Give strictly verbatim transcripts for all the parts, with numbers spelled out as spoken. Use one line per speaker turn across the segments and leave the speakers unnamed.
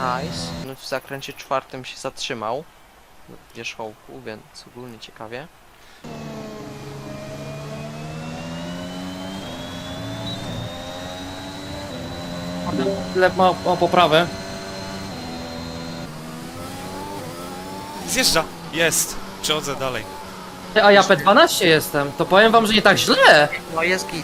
Nice. No, w zakręcie czwartym się zatrzymał w wierzchołku, więc ogólnie ciekawie.
Lep ma o poprawę.
Zjeżdża! Jest! Przechodzę dalej.
A ja P dwanaście jestem, to powiem wam, że nie tak źle.
No jest git.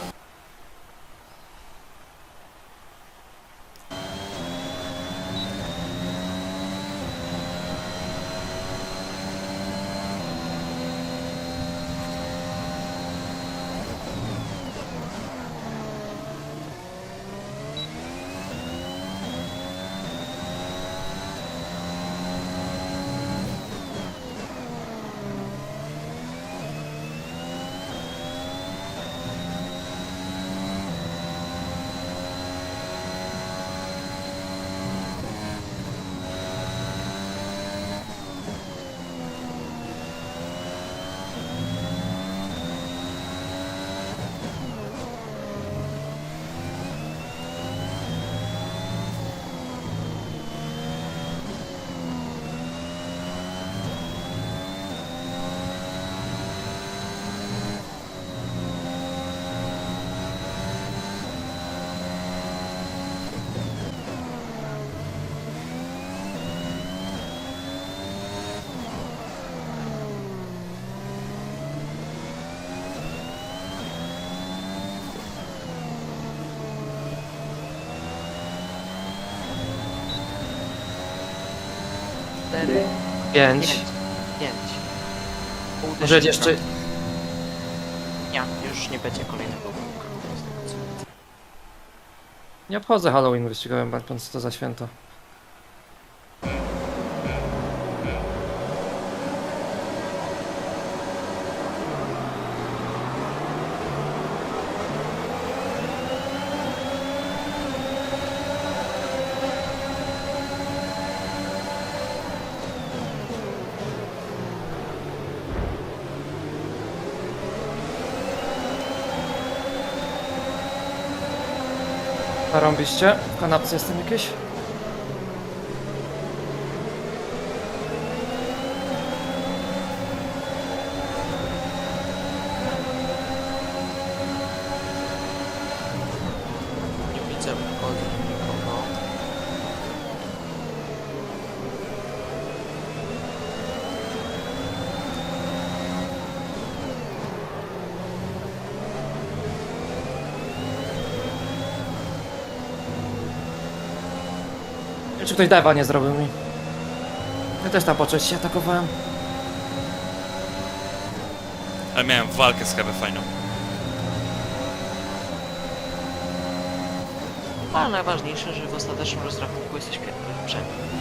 Cztery,
Pięć.
pięć. Pięć. Pół
Może
tysiąca.
jeszcze...
Nie, już nie będzie kolejnego kółka.
Nie obchodzę Halloween wyścigowym, patrząc to za święto. Zarąbiście? W kanapce jestem jakieś?
Nie widzę wchodzę nikogo.
Nie wiem, czy ktoś dewa nie zrobił mi. Ja też tam po części atakowałem.
Ale miałem walkę z Hebe fajną.
Ale najważniejsze, że w ostatecznym rozrachunku jesteś lepszy.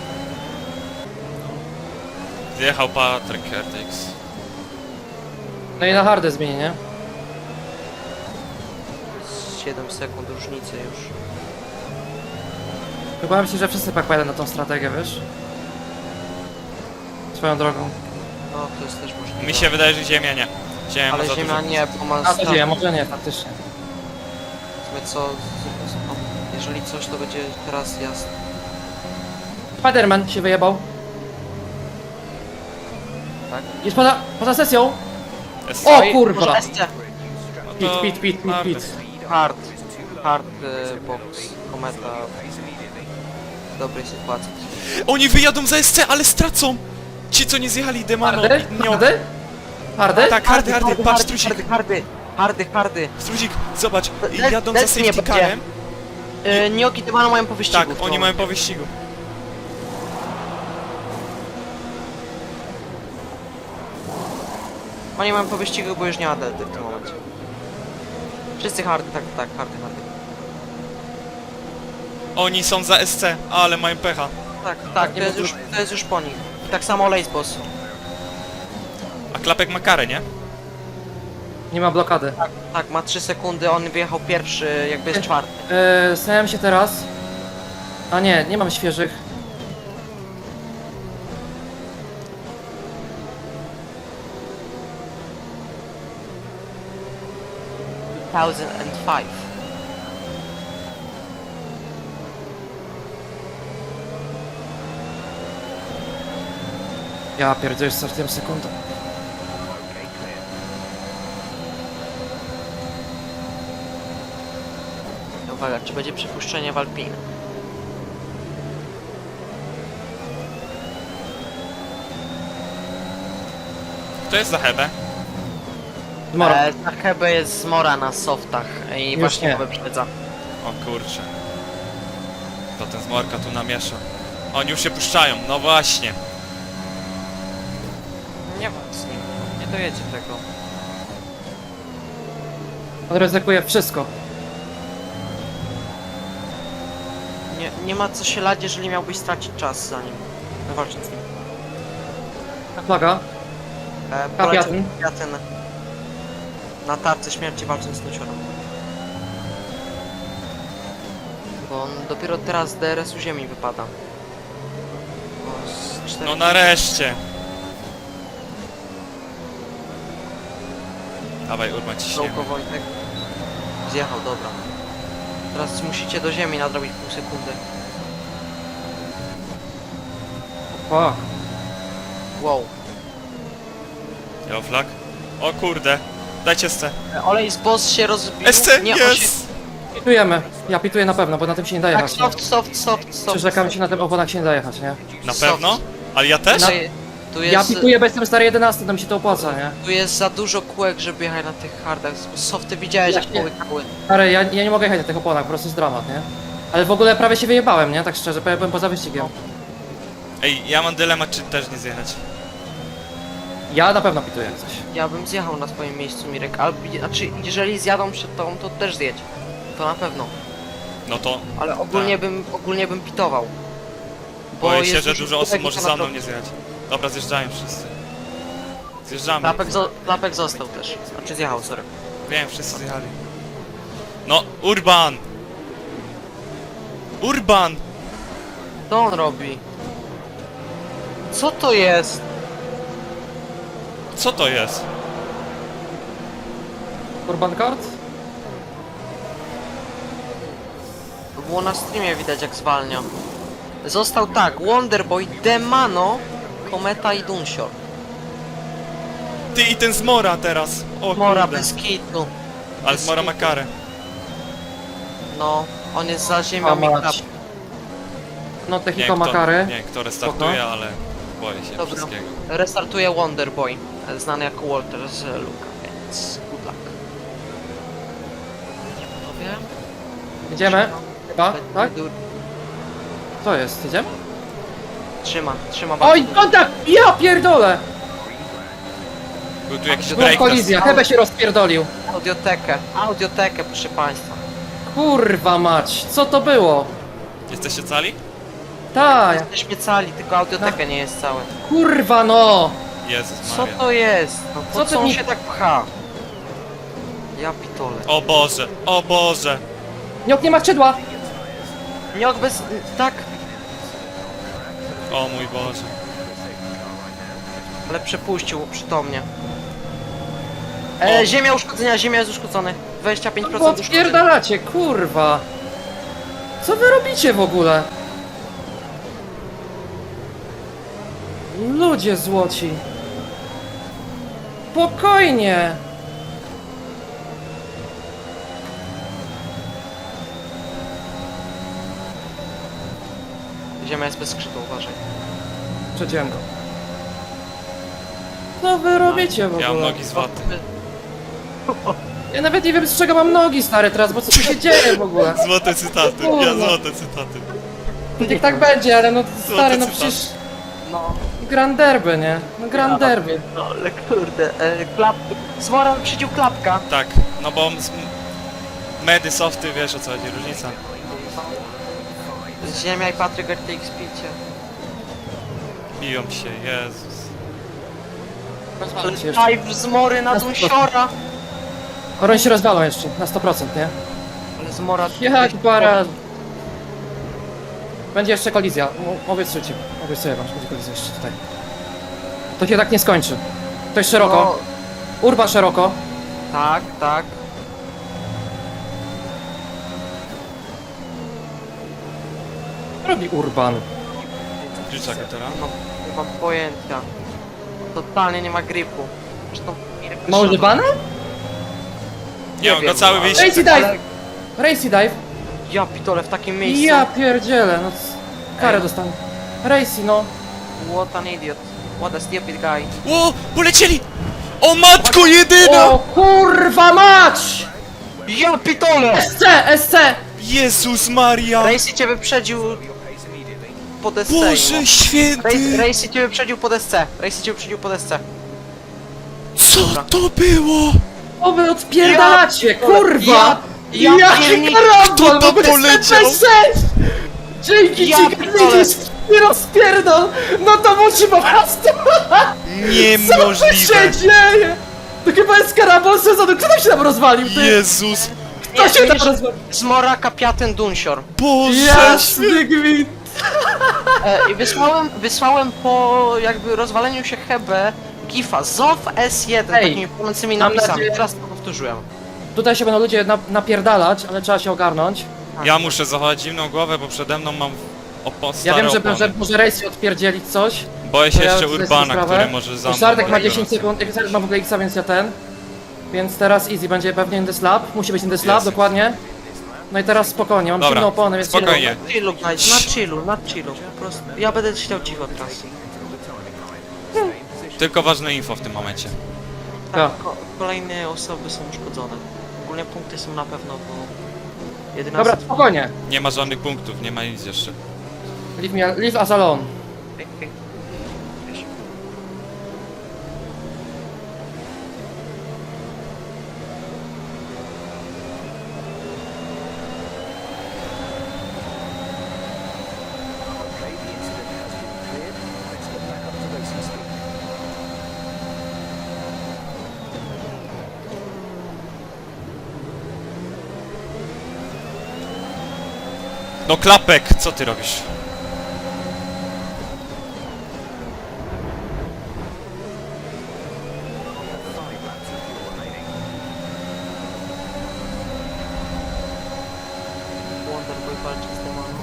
Zjechał Patryk R T X.
No i na hardę zmieni, nie?
siedem sekund różnicy już.
Chyba myślę, że wszyscy tak pojadą na tą strategię, wiesz? Swoją drogą.
No to jest też możliwe.
Mi się wydaje, że Ziemia nie. Ziemia ma
Ale
za
ziemia
dużo.
nie, bo ma
A to
stan-
dzieje, może nie, faktycznie.
w sumie co, z- z- no, jeżeli coś to będzie teraz jasne.
Spiderman się wyjebał.
Tak?
Jest poza, poza sesją!
Jest.
O
Oj,
kurwa!
może S C.
No
Pit,
to
pit, pit, pit,
marny.
pit.
Hard. Hard y, box. Kometa. W dobrej sytuacji.
Oni wyjadą za S C, ale stracą! Ci, co nie zjechali Demano.
Hardy?
Nie,
Hardy? Hardy?
tak, hardy, hardy, patrz, strusik.
hardy, hardy, hardy, hardy.
Struzik, zobacz,
Le-
jadą za
lecnie
safety
będzie.
carem.
Y, Nioki Tymano mają po wyścigu.
Tak,
w tym
oni mają
momencie.
po wyścigu.
Oni mają po wyścigu, bo już nie ma delty w tym momencie. Wszyscy hardy, tak, tak, hardy, hardy.
Oni są za S C, ale mają pecha.
Tak, tak, to
nie
jest
ma
już, to jest już po nich. I tak samo Lace Boss.
A Klapek ma karę, nie?
Nie ma blokady.
Tak, ma trzy sekundy, on wyjechał pierwszy, jakby jest czwarty.
Yy, Stałem się teraz. A nie, nie mam świeżych.
dwa tysiące pięć.
Ja pierdzielę, startuję sekundę.
Uwaga, czy będzie przypuszczenie w Alpine?
To jest za hebę.
Zmora.
E, ta chyba jest zmora na softach i
Już
właśnie
nie.
go wyprzedza.
O kurczę. To ten zmorka tu namiesza. Oni już się puszczają, no właśnie.
Nie ma z nim, nie dojedzie tego.
On ryzykuje wszystko.
Nie, nie ma co się lać, jeżeli miałbyś stracić czas za nim. Walczyć z nim.
Flaga.
E,
Kapiatyn.
Kapiatyn. Na tarce śmierci walcząc z nuciorem. Bo on dopiero teraz z D R S-u ziemi wypada. Bo z cztery...
No nareszcie. Dawaj, Urban, ciśniemy.
Dołko Wojtek. Zjechał, dobra. Teraz musicie do ziemi nadrobić pół sekundy.
O,
Wow.
Yellow flag. O kurde. Dajcie S C.
E, Olej z boss się rozbił.
S C,
Nie, on się...
jest!
pitujemy. Ja pituję na pewno, bo na tym się nie da
Tak,
jechać.
soft, soft, soft, soft.
Przyrzekam ci, na tym oponach się nie da jechać, nie?
Na
Soft.
pewno? Ale ja też?
No, tu jest,
Ja pituję, bo jestem stary jedenasty, to mi się to opłaca, nie?
tu jest za dużo kółek, żeby jechać na tych hardach. Softy widziałeś,
Ja
jak
nie.
połykały.
Stary, ja, ja nie mogę jechać na tych oponach, po prostu jest dramat, nie? Ale w ogóle prawie się wyjebałem, nie? Tak szczerze, prawie byłem poza wyścigiem.
Ej, ja mam dylemat, czy też nie zjechać.
Ja na pewno pituję jak coś.
Ja bym zjechał na swoim miejscu, Mirek. Albo, znaczy, jeżeli zjadą przed tobą, to też zjedź. To na pewno.
No to
Ale ogólnie
Tak.
bym, ogólnie bym pitował. Bo
boję się,
jest
że
dużo
dużo osób
kółek i
może
to
za mną
naprawdę-
nie zjechać. Dobra, zjeżdżają wszyscy. Zjeżdżamy.
Klapek, zo klapek został też. Znaczy zjechał, sorry.
Wiem, wszyscy zjechali. No, Urban! Urban!
Co on robi? Co to jest?
Co to jest?
Urban Kart?
To było na streamie widać, jak zwalnia. Został tak, Wonderboy, Demano, Kometa i Dunsior.
Ty i ten Zmora teraz! O
Mora
kurde.
bez kitu.
Ale Zmora ma karę.
No, on jest za
A
ziemią i
mać.
klap.
Nie
No,
wiem,
Technico
kto,
Makary.
nie wiem, kto restartuje,
Spoko.
ale boję się
Dobra.
wszystkiego.
Restartuje Wonderboy, znany jako Walter z Luka, więc good luck. Nie panowie?
Idziemy? Chyba, tak?
Du-
Co jest? Idziemy?
Trzyma, trzyma
Oj,
bardzo.
kontakt! Ja pierdolę!
Był tu jakiś
No,
break.
Kolizja, chyba się rozpierdolił.
Audiotekę, audiotekę, proszę państwa.
Kurwa mać, co to było?
Jesteście cali?
Tak,
Jesteśmy cali, tylko audioteka nie jest całe.
kurwa no!
Jezus
Co
Maria.
to jest? No po
Co
co,
ty
on
mi-
się tak pcha? Ja pitole.
O Boże, o Boże!
Niok nie ma skrzydła!
Niok bez... tak,
O mój Boże.
ale przepuścił przytomnie. E,
O.
ziemia uszkodzenia, ziemia jest uszkodzony. dwadzieścia pięć
Bo
procent uszkodzenia.
odpierdalacie, kurwa! Co wy robicie w ogóle? Ludzie złoci! Spokojnie!
Ziemia jest bez skrzydła, uważaj.
Przeciąłem go. Co wy robicie w
Ja mam
ogóle?
nogi z waty.
Ja nawet nie wiem z czego mam nogi stary teraz, bo co tu się dzieje w ogóle?
Złote cytaty, ja złote cytaty.
Niech tak będzie, ale no stary, no
cytat.
przecież
No,
Grand Derby, nie? No Grand Derby.
no ale kurde, e, klap... Zmora wyprzedził klapka.
Tak, no bo z... medy, softy, wiesz o co chodzi, różnica.
Ziemia i Patryk R T X picie.
Biją się, Jezus.
się jeszcze.
Live z Mory na
Na
Dunsiora.
Koron się rozwalą jeszcze, na sto procent, nie?
Ale z Mora...
Jak para... Będzie jeszcze kolizja, M- obiecuję ci. Obiecuję wam, że będzie kolizja jeszcze tutaj. To się tak nie skończy. To jest szeroko.
No,
Urban szeroko.
tak, tak.
Co robi Urban?
Kluczak teraz.
Nie mam, nie mam pojęcia. Totalnie nie ma gripu. Zresztą...
Ma używane?
Nie, on go
wiem,
cały
ale-
wyjście.
Racy dive! Racy dive!
Ja pitole w takim miejscu.
Ja pierdzielę, no c- karę
Ej.
dostanę. Racy, no.
What an idiot. What a stupid guy.
O, polecieli! O matko jedyna!
O kurwa mać!
Ja pitole!
S C, S C!
Jezus Maria!
Racy cię wyprzedził po desce.
Boże święty!
Racy, Racy cię wyprzedził po desce. Racy cię wyprzedził po desce.
Co to było?
O wy odpierdalacie,
Ja-
kurwa!
Ja- ja
Jaki
piernik-
karambol,
Kto to
bo
poleciał?
sześć! Dzięki
Ja
ci,
pitole.
widzisz, nie rozpierdol! No to musi po prostu... Co tu
Niemożliwe!
się dzieje? To chyba jest karambol sezonu, kto tam się tam rozwalił, ty?
Jezus!
Kto
Nie,
się tam
widzisz-
rozwalił?
Zmora kapiatyn Dunsior.
Boże święty!
Jasny gwint!
E, I wysłałem, wysłałem po jakby rozwaleniu się Hebe gifa Zow S jeden
Ej,
takimi płonącymi
mam
napisami.
nadzieję-
Teraz to powtórzyłem.
Tutaj się będą ludzie na, napierdalać, ale trzeba się ogarnąć.
Ja muszę zachować zimną głowę, bo przede mną mam opo
Ja
stare
wiem, że,
opony.
że może Race odpierdzielić coś.
Boję się
to ja
jeszcze
sobie
Urbana,
sprawę.
który może za
Już
mną...
Sartek ma
biegać.
dziesięć sekund, Sartek ma w ogóle X, więc ja ten. Więc teraz easy, będzie pewnie in the slab. Musi być in the slab,
Jest.
dokładnie. No i teraz spokojnie, mam
Dobra,
silne opony, więc
spokojnie.
Na chillu, guys, na chillu, na chillu. Po prostu. Ja będę chciał cicho teraz.
Tylko ważne info w tym momencie.
Tak.
Tak, ko kolejne osoby są uszkodzone. Ogólnie punkty są na pewno, bo... jedyna
Dobra, spokojnie.
Nie ma żadnych punktów, nie ma nic jeszcze.
Leave, me, leave us alone.
Ej, ej. Wiesz.
No klapek, co ty robisz?
Wonderboy walczy z demonem.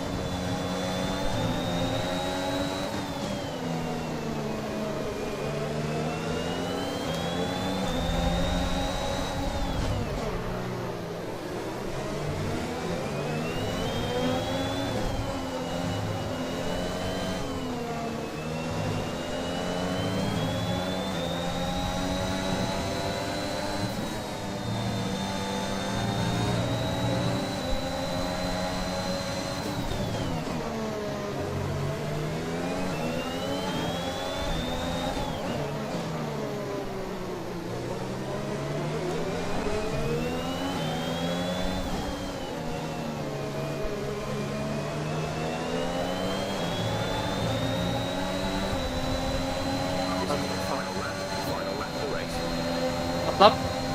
Lap.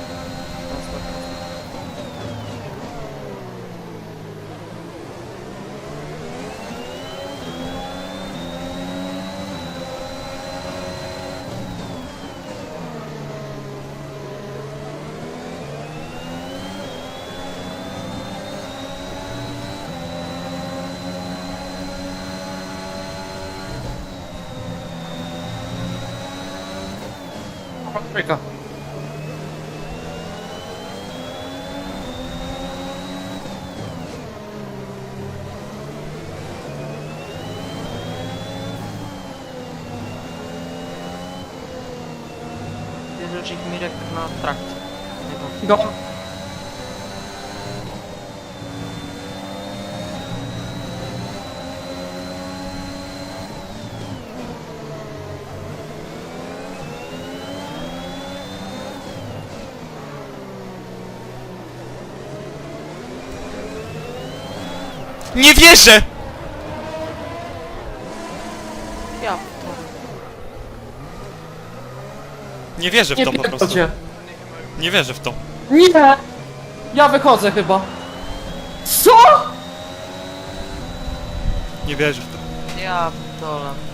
Trójka.
Bierze ich Mirek na trakt. Jego.
Go.
Nie wierzę!
Ja to...
Nie wierzę w
Nie
to po prostu.
pierdolcie.
Nie wierzę w to.
Nie! Ja wychodzę chyba. Co?
Nie wierzę w to.
Ja dole.